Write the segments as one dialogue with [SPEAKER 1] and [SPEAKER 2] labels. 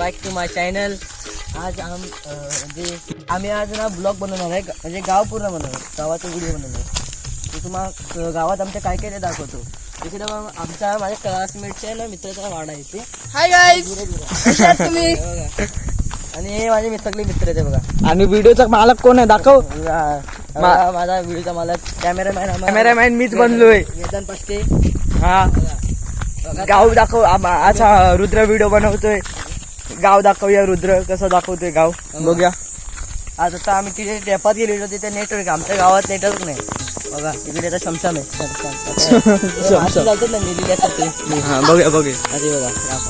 [SPEAKER 1] Back to my channel. आज आम्ही आज ना ब्लॉग बनवणार आहे, म्हणजे गाव पूर्ण बनवणार, गावाचा व्हिडिओ बनवणार. तर तुम्हाला गावात आमच्या काय काय ते दाखवतो. तिकडे आमच्या माझ्या क्लासमेटचे आहे ना, मित्राचा वाडा आहे ते.
[SPEAKER 2] हाय गाईज, तुम्ही
[SPEAKER 1] बघा. आणि हे माझे सगळे मित्र आहेत बघा.
[SPEAKER 3] आणि व्हिडिओचा मालक कोण आहे दाखव.
[SPEAKER 1] माझा व्हिडिओचा मला
[SPEAKER 3] कॅमेरामॅन मीच बनलोय.
[SPEAKER 1] वेदांत पष्टे.
[SPEAKER 3] हा गाव दाखव. अच्छा रुद्र व्हिडिओ बनवतोय. गाव दाखवूया. रुद्र कसं दाखवतोय गाव बघूया.
[SPEAKER 1] आज आता आम्ही तिथे टेपात गेलेलो, तिथे नेटवर्क. आमच्या गावात नेटवर्क नाही बघा. तिकडे आता शमशाम आहे. जातात ना निधीसाठी.
[SPEAKER 3] हा बघूया बघूया.
[SPEAKER 1] अरे बघा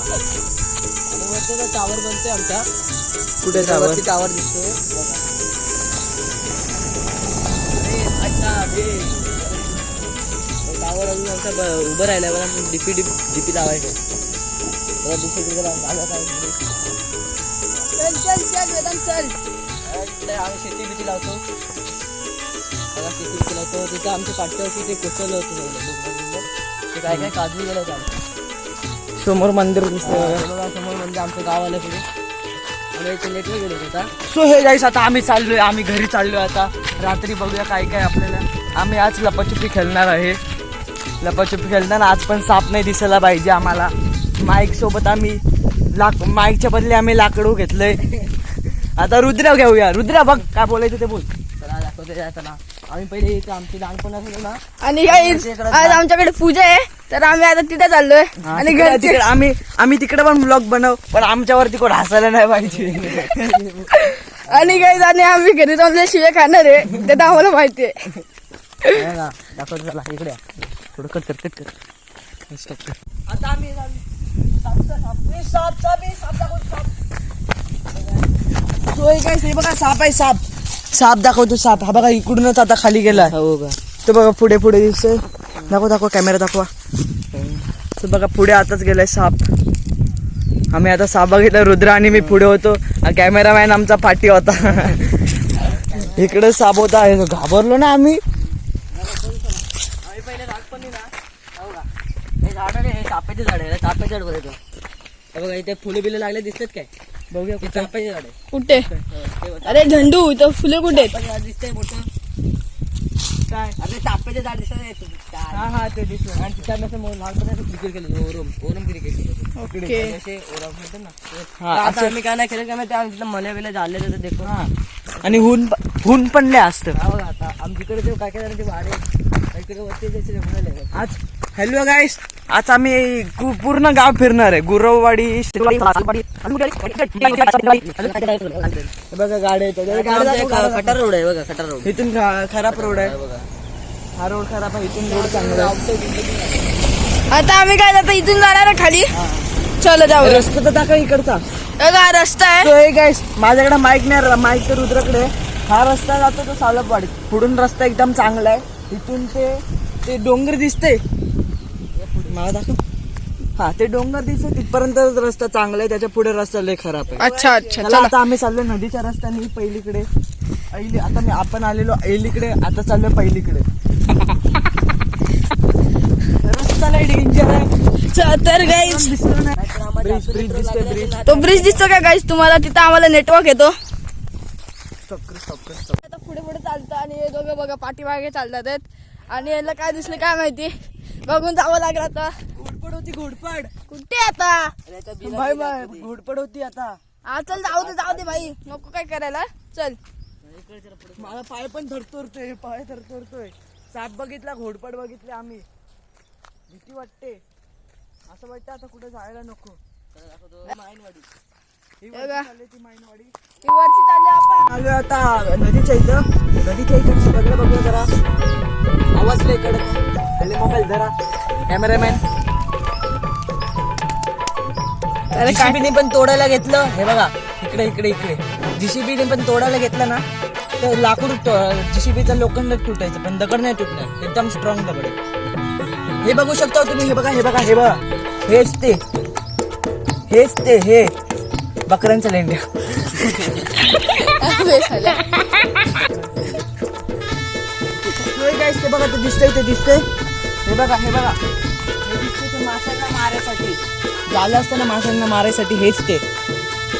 [SPEAKER 1] टावर बनतोय आमच्या.
[SPEAKER 3] कुठे
[SPEAKER 1] टावर दिसतोय टावर. अजून आमचा उभं राहिला बघा. डीपी लावायचं. आम्ही शेती बिती लावतो बघा. शेती बिती लावतो. तिथं आमच्या पाठ्यावरती ते कोसळलं होतं. ते काय काय काजू गेलं होतं.
[SPEAKER 3] समोर मंदिर दिसतंय.
[SPEAKER 1] समोर म्हणजे आमचं गाव आलं पुढे. आम्ही इथे नेटवर गेलो होता.
[SPEAKER 3] सो हे गाईस, आता आम्ही चाललोय. आम्ही घरी चाललोय आता. रात्री बघूया काय काय आपल्याला. आम्ही आज लपाछुपी खेळणार आहे. लपाछुपी खेळताना आज पण साप नाही दिसायला पाहिजे आम्हाला. माईक सोबत आम्ही माईकच्या बदले आम्ही लाकडू घेतलंय. आता रुद्र घेऊया. रुद्र बघ काय बोलायचं ते बोल.
[SPEAKER 1] चला दाखवते चला. आम्ही पहिले इथे आमची लहानपण असलो ना.
[SPEAKER 2] आणि गाईज आज आमच्याकडे पूजा आहे, तर आम्ही आता तिथे चाललोय. आणि
[SPEAKER 3] तिकडे आम्ही तिकडे पण ब्लॉग बनव, पण आमच्यावरती कोण हसायला नाही पाहिजे.
[SPEAKER 2] आणि गाईज आणि आम्ही घरी जाऊन शिवे खाणार आहे, ते तर आम्हाला माहिती आहे.
[SPEAKER 1] दाखवतो चला. इकडे थोडं कट कर.
[SPEAKER 3] आता आम्ही हे बघा साप आहे. साप दाखवतो. साप हा बघा इकडूनच आता खाली गेला.
[SPEAKER 1] हो का.
[SPEAKER 3] तो बघा पुढे दिसतोय. दाखवा कॅमेरा दाखवा. तो बघा पुढे आताच गेलाय साप. आम्ही आता साप बघितला. रुद्र आणि मी पुढे होतो. कॅमेरामॅन आमचा पाठी होता. इकडे साप होता. घाबरलो ना आम्ही.
[SPEAKER 1] पहिले झाड पण ना बघा. हे झाड आहे, हे चाफ्याचे झाड आहे. चाफ्याचे झाड बघायचं बघा. इथे फुले बिले लागले दिसतात काय बघूया. चाफ्याचे झाड आहे
[SPEAKER 2] कुठे. अरे झंडू तो फुले कुठे
[SPEAKER 1] दिसतंय मोठं काय. अरे चाफ्याचे झाड दिसत.
[SPEAKER 3] हा ते दिसलं.
[SPEAKER 1] आणि तिथे लहानपणी क्रिकेट केलं. ओरम क्रिकेट केलं.
[SPEAKER 2] ओके.
[SPEAKER 1] ओरम म्हणतात ना. आता आम्ही काय नाही खेळत काय माहिती. आम्ही तिथं मल्या बिल्या झाले तर देखो.
[SPEAKER 3] आणि हून पण लय असतं.
[SPEAKER 1] बघा आता आमच्याकडे ते काय काय ते वाडे इकडे वरती जायचे म्हणाले.
[SPEAKER 3] आज हॅलो गाईस, आज आम्ही पूर्ण गाव फिरणार आहे. गुरववाडी बघा. गाड्या
[SPEAKER 1] खटार रोड आहे बघा. खटार रोड
[SPEAKER 3] इथून खराब रोड आहे बघा. हा रोड खराब आहे. इथून रोड चांगला आहे.
[SPEAKER 2] आता आम्ही काय आता इथून जाणार आहे खाली. चलो जाऊ.
[SPEAKER 3] रस्ता तर दाखव इकडचा.
[SPEAKER 2] बघा रस्ता आहे.
[SPEAKER 3] तो एक गाईस, माझ्याकडे माईक नाही. माईक तर रुद्राकडे. हा रस्ता जातो तो सावलपवाडी. पुढून रस्ता एकदम चांगला आहे. इथून ते डोंगर दिसते. मला दाखव. हा ते डोंगर दिसते तिथपर्यंत रस्ता चांगला आहे. त्याच्या पुढे रस्ता लय खराब आहे.
[SPEAKER 2] अच्छा अच्छा.
[SPEAKER 3] चला आता आम्ही चाललोय नदीच्या रस्त्याने पहिलीकडे. आता आपण आलेलो ऐलीकडे. आता चाललोय पहिलीकडे. रस्ता लय डेंजर आहे.
[SPEAKER 2] तर गाईज
[SPEAKER 3] ब्रिज दिसतोय. ब्रिज
[SPEAKER 2] तो ब्रिज दिसतो का गाईज तुम्हाला. तिथं आम्हाला नेटवर्क येतो. आता पुढे चालतं आणि हे दोघं बघा पाठीमागे चालतात आहेत. आणि याला काय दिसलं काय माहिती. बघून जावं लागलं आता.
[SPEAKER 3] घोडपड होती. घोडपड
[SPEAKER 2] कुठे आता
[SPEAKER 3] बाय बाय. घोडपड होती आता.
[SPEAKER 2] हा चल जाऊ दे भाई. नको काय करायला. चल.
[SPEAKER 3] मला पाय पण थरथरतोय. साप बघितला. घोडपड बघितले आम्ही. भीती वाटते. असं वाटतं आता कुठे जायला नको. माईनवाडी ही माईनवाडी.
[SPEAKER 2] ही वरची चालली आपण.
[SPEAKER 3] आलो आता नदीच्या इथं सगळं बघूया जरा. आवाज लय इकडे. हल्ली मोबाईल जरा. कॅमेरामॅन जीसीबीने पण तोडायला घेतलं. हे बघा इकडे जीसीबीने पण तोडायला घेतलं ना तर लाकूड जीसीबीचा लोखंड तुटायचं, पण दगड नाही तुटणार. एकदम स्ट्रॉंग दगड आहे. हे बघू शकता तुम्ही. हे बघा. हेच ते बकऱ्यांच्या लेंड्या. ते बघा. ते दिसतंय. हे बघा. हे दिसतंय ते माशांना मारायसाठी. झालं असतं ना माशांना मारायसाठी. हेच ते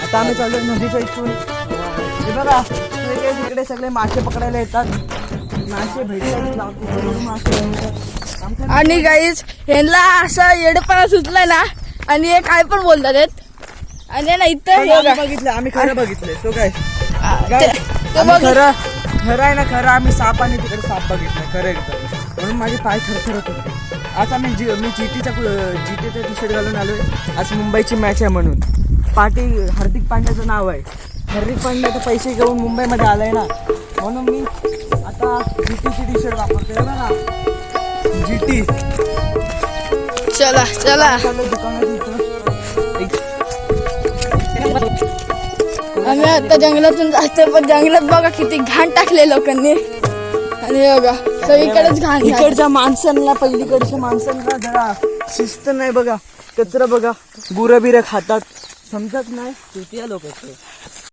[SPEAKER 3] आता आम्ही चाललोय नदीच्या इथून. हे बघा तिकडे सगळे मासे पकडायला येतात. मासे भेटतात मासे भेटतात.
[SPEAKER 2] आणि गाईज ह्यांना असं येडपणा सुचलाय ना आणि हे काय पण बोलतात आहेत. आणि ना इथं हे बघा.
[SPEAKER 3] बघितलं आम्ही खरं बघितलंय. तो काय
[SPEAKER 2] ते
[SPEAKER 3] आम्ही
[SPEAKER 2] बघ.
[SPEAKER 3] खरं आहे ना खरं आम्ही साप आणि तिकडे साप बघितलं खरं एकदम. म्हणून माझे पाय थरथरत होते. आज मी जीटीचा टी शर्ट घालून आलोय. आज मुंबईची मॅच आहे म्हणून. हार्दिक पांड्याचं नाव आहे. हार्दिक पांड्या तर पैसे घेऊन मुंबईमध्ये आलाय ना म्हणून मी आता जीटीची टी शर्ट वापरतोय ना जीटी.
[SPEAKER 2] चला चला आम्ही आता जंगलातून जातो पण जंगलात बघा किती घाण टाकले लोकांनी. आणि हे बघा सगळीकडेच घाण.
[SPEAKER 3] इकडच्या माणसांना पहिलीकडच्या माणसांना जरा शिस्त नाही बघा. कचरा बघा गुरं बिरं खातात समजत नाही. चुतिया लोक